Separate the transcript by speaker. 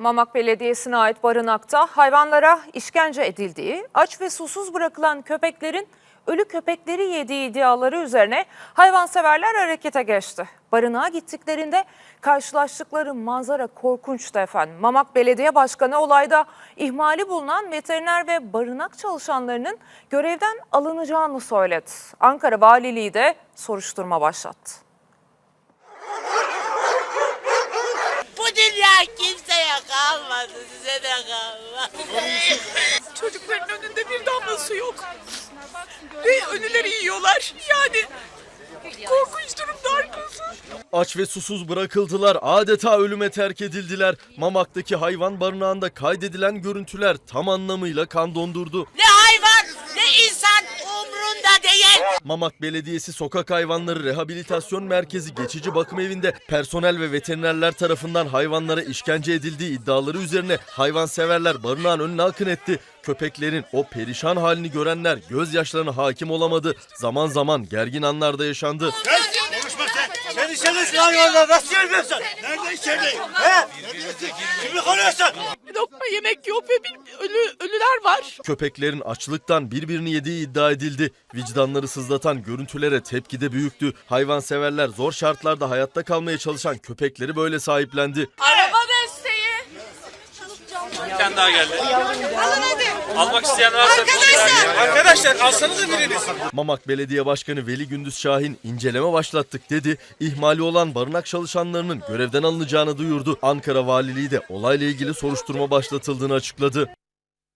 Speaker 1: Mamak Belediyesi'ne ait barınakta hayvanlara işkence edildiği, aç ve susuz bırakılan köpeklerin ölü köpekleri yediği iddiaları üzerine hayvanseverler harekete geçti. Barınağa gittiklerinde karşılaştıkları manzara korkunçtu efendim. Mamak Belediye Başkanı olayda ihmali bulunan veteriner ve barınak çalışanlarının görevden alınacağını söyledi. Ankara Valiliği de soruşturma başlattı.
Speaker 2: Bu dünya kimseye kalmadı, size de kalmadı.
Speaker 3: Çocukların önünde bir damla su yok. Ve ölüleri yiyorlar. Yani korkunç durumda arkası.
Speaker 4: Aç ve susuz bırakıldılar, adeta ölüme terk edildiler. Mamak'taki hayvan barınağında kaydedilen görüntüler tam anlamıyla kan dondurdu.
Speaker 2: Ne hayvan ne insan umrunda değil.
Speaker 4: Mamak Belediyesi Sokak Hayvanları Rehabilitasyon Merkezi Geçici Bakım Evi'nde personel ve veterinerler tarafından hayvanlara işkence edildiği iddiaları üzerine hayvanseverler barınağın önüne akın etti. Köpeklerin o perişan halini görenler gözyaşlarına hakim olamadı. Zaman zaman gergin anlar da yaşandı.
Speaker 5: Konuşma sen. Sen içeridesin hayvanlar. Nasıl görmüyorsun? Nerede içerideyim? He? Kimi koruyorsun?
Speaker 3: Bir lokma yemek yok ve ölüler var.
Speaker 4: Köpeklerin açlıktan birbirini yediği iddia edildi. Vicdanları sızlatan görüntülere tepki de büyüktü. Hayvanseverler zor şartlarda hayatta kalmaya çalışan köpekleri böyle sahiplendi.
Speaker 3: Araba desteği.
Speaker 6: Bir tane daha geldi. Almak isteyen varsa arkadaşlar alsanıza biriniz.
Speaker 4: Mamak Belediye Başkanı Veli Gündüz Şahin inceleme başlattık dedi. İhmali olan barınak çalışanlarının görevden alınacağını duyurdu. Ankara Valiliği de olayla ilgili soruşturma başlatıldığını açıkladı.